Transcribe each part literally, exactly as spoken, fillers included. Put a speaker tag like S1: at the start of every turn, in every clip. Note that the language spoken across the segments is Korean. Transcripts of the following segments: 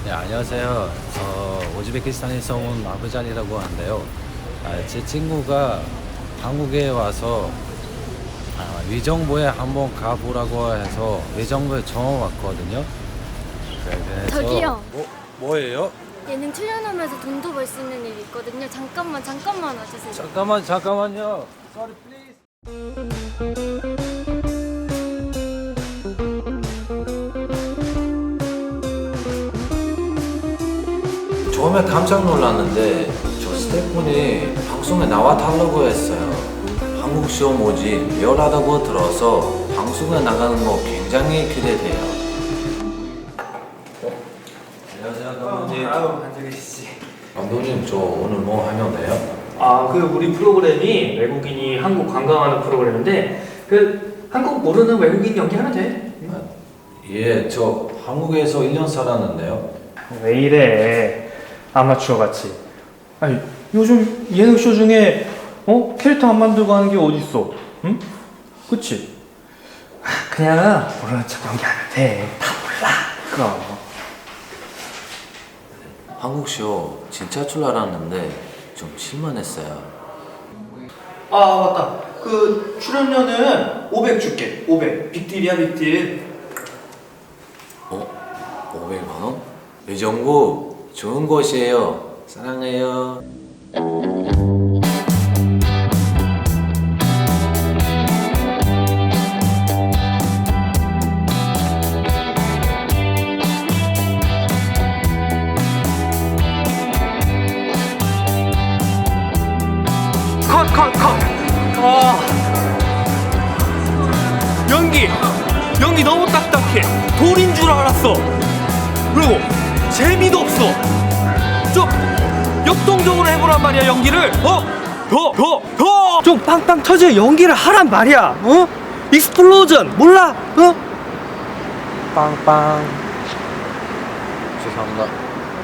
S1: 네, 안녕하세요. 저 우즈베키스탄에서 온 아부잔이라고 하는데요. 아, 제 친구가 한국에 와서 아, 위정부에 한번 가보라고 해서 위정부에 처음 왔거든요. 그래서
S2: 저기요.
S1: 뭐, 뭐예요?
S2: 예능 출연하면서 돈도 벌 수 있는 일이 있거든요. 잠깐만 잠깐만 와주세요.
S1: 잠깐만 잠깐만요. Sorry, please. 처음에 깜짝 놀랐는데 저 스태프분이 방송에 나와 달라고 했어요. 한국 쇼 뭐지 리얼하다고 들어서 방송에 나가는 거 굉장히 기대돼요. 어? 안녕하세요 감독님.
S3: 아유, 앉아 계시지.
S1: 감독님 저 오늘 뭐 하면 돼요?
S3: 아, 그 우리 프로그램이 외국인이 한국 관광하는 프로그램인데 그 한국 모르는 외국인 연기하면 돼.
S1: 아, 예, 저 한국에서 일 년 살았는데요.
S3: 왜 이래? 아마추어 같이. 아니, 요즘 예능쇼 중에 어? 캐릭터 안 만들고 하는 게 어딨어? 응? 그치? 아, 그냥 모르는 척 연기하면 돼. 다 몰라. 그럼.
S1: 한국 쇼 진짜 줄 알았는데 좀 실망했어요.
S3: 아, 맞다. 그 출연료는 오백 줄게. 오백. 빅딜이야, 빅딜.
S1: 어? 오백만 원? 위정부 좋은 곳이에요. 사랑해요.
S3: 컷, 컷, 컷. 아. 연기. 연기 너무 딱딱해. 돌인 줄 알았어. 그리고 재미도 없어. 좀 역동적으로 해보란 말이야, 연기를. 어? 더, 더, 더. 좀 빵빵 터져 연기를 하란 말이야. 어? 익스플로전 몰라? 어?
S1: 빵빵. 죄송합니다.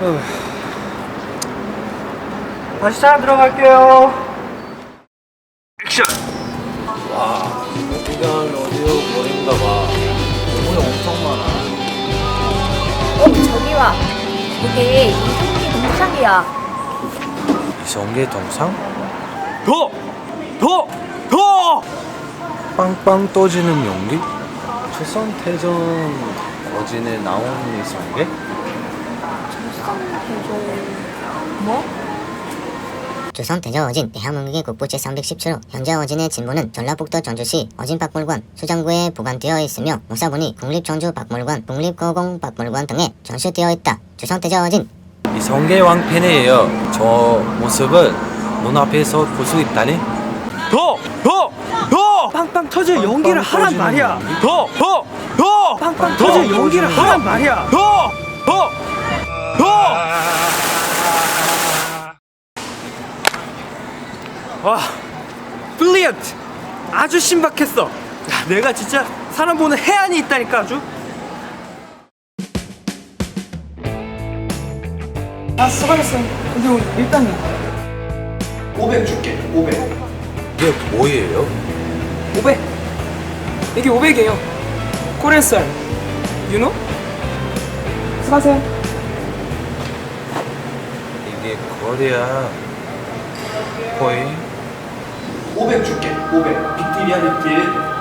S3: 다시 차 들어갈게요. 액션.
S1: 와, 여기가 어디요? 거리인가 봐. 너무 엄청 많아.
S2: 어 저기 와. 이게 이성기 동상이야.
S1: 이성계 동상?
S3: 더, 더, 더.
S1: 빵빵 떠지는 연기? 조선태전 거진에 나온 이성계?
S2: 뭐?
S4: 조선 대저어진 대한민국의 국부 제삼백십칠 호 현재 어진의 진보는 전라북도 전주시 어진박물관 수장구에 보관되어 있으며 모사본이 국립전주박물관, 국립고공박물관 등에 전시되어 있다. 조선 대저어진
S1: 이성계 왕팬이에요. 저 모습을 눈앞에서 볼 수 있다니?
S3: 더, 더, 더. 빵빵 터져 연기를 하란
S1: 터지는
S3: 말이야.
S1: 연기?
S3: 더, 더, 더. 빵빵 터져 연기를
S1: 터지는
S3: 하란 말이야. 더, 더, 더. 와, 블리언트. 아주 신박했어. 야, 내가 진짜 사람 보는 해안이 있다니까 아주.
S5: 아 수고하셨어. 근데 우리 일단은
S3: 오백 줄게. 오백.
S1: 이게 뭐예요?
S5: 오백. 이게 오백이에요. 코리안 스타일. 유노? 수고하세요.
S1: 이게 거리야. 거의
S3: 오백 줄게. 오백. 빅딜이야, 빅딜.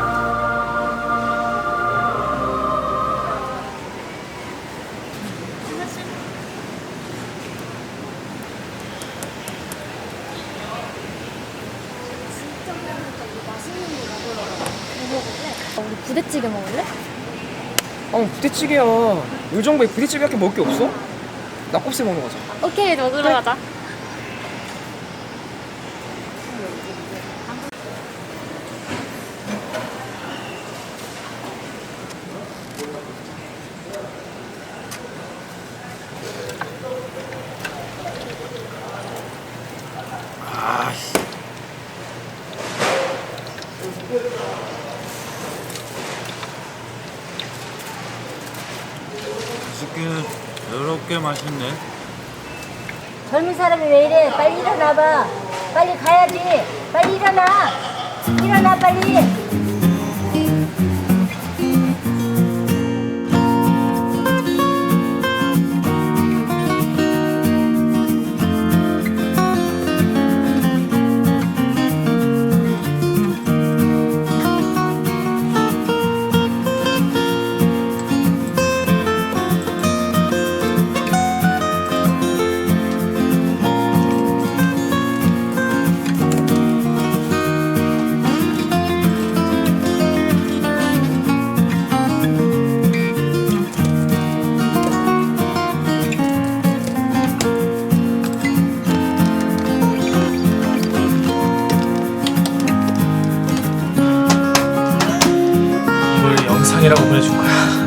S2: 어, 우리 부대찌개 먹을래?
S5: 어 부대찌개야. 의정부에 부대찌개밖에 먹을 게 없어? 낙곱새 먹는 거죠.
S2: 오케이 먹으러 가자.
S1: 아씨. 치킨은 더럽게 맛있네.
S6: 젊은 사람이 왜 이래? 빨리 일어나봐. 빨리 가야지. 빨리 일어나. 일어나 빨리.
S3: 사랑이라고 보내줄 거야.